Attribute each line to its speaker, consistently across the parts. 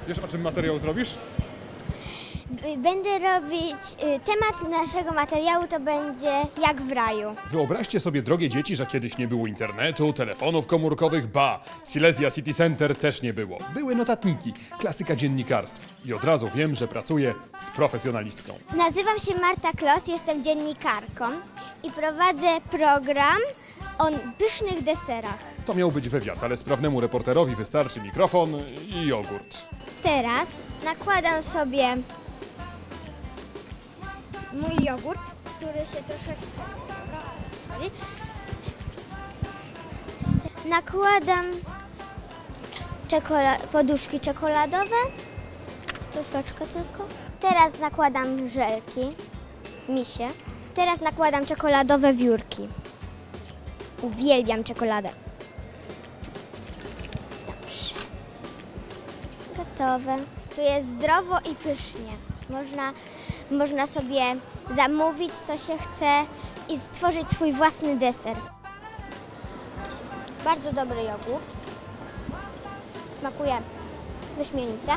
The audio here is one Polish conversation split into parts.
Speaker 1: Wiesz, o czym materiał zrobisz?
Speaker 2: Będę robić, temat naszego materiału to będzie jak w raju.
Speaker 1: Wyobraźcie sobie, drogie dzieci, że kiedyś nie było internetu, telefonów komórkowych, Silesia City Center też nie było. Były notatniki, klasyka dziennikarstw. I od razu wiem, że pracuję z profesjonalistką.
Speaker 2: Nazywam się Marta Klos, jestem dziennikarką i prowadzę program o pysznych deserach.
Speaker 1: To miał być wywiad, ale sprawnemu reporterowi wystarczy mikrofon i jogurt.
Speaker 2: Teraz nakładam sobie mój jogurt, który się troszeczkę rozszczepi. Nakładam poduszki czekoladowe, troszeczkę tylko. Teraz nakładam żelki, misie. Teraz nakładam czekoladowe wiórki. Uwielbiam czekoladę. Dobrze. Gotowe. Tu jest zdrowo i pysznie. Można sobie zamówić, co się chce i stworzyć swój własny deser. Bardzo dobry jogurt. Smakuje wyśmienicie.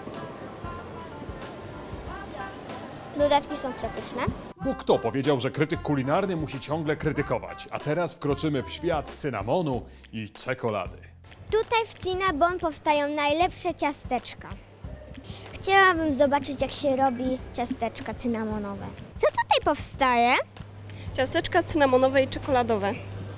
Speaker 2: Dodatki są przepyszne.
Speaker 1: Bo kto powiedział, że krytyk kulinarny musi ciągle krytykować? A teraz wkroczymy w świat cynamonu i czekolady.
Speaker 2: Tutaj w Cinnabon powstają najlepsze ciasteczka. Chciałabym zobaczyć, jak się robi ciasteczka cynamonowe. Co tutaj powstaje?
Speaker 3: Ciasteczka cynamonowe i czekoladowe.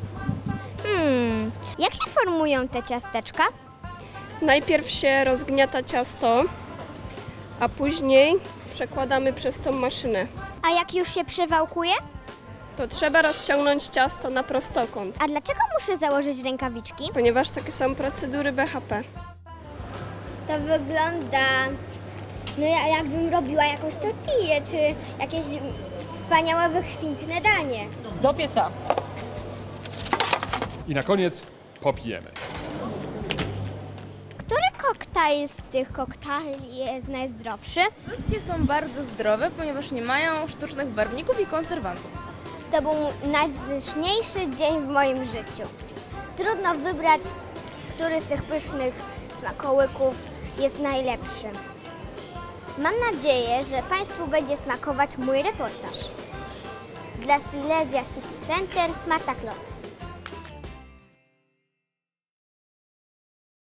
Speaker 2: Jak się formują te ciasteczka?
Speaker 3: Najpierw się rozgniata ciasto, a później przekładamy przez tą maszynę.
Speaker 2: A jak już się przewałkuje?
Speaker 3: To trzeba rozciągnąć ciasto na prostokąt,
Speaker 2: A dlaczego muszę założyć rękawiczki?
Speaker 3: ponieważ takie są procedury BHP.
Speaker 2: To wygląda, jakbym robiła jakąś tortillę, czy jakieś wspaniałe, wykwintne danie.
Speaker 4: Do pieca.
Speaker 1: I na koniec popijemy.
Speaker 2: Który koktajl z tych koktajli jest najzdrowszy?
Speaker 4: Wszystkie są bardzo zdrowe, ponieważ nie mają sztucznych barwników i konserwantów.
Speaker 2: To był najpyszniejszy dzień w moim życiu. Trudno wybrać, który z tych pysznych smakołyków jest najlepszy. Mam nadzieję, że Państwu będzie smakować mój reportaż. Dla Silesia City Center Marta Klos.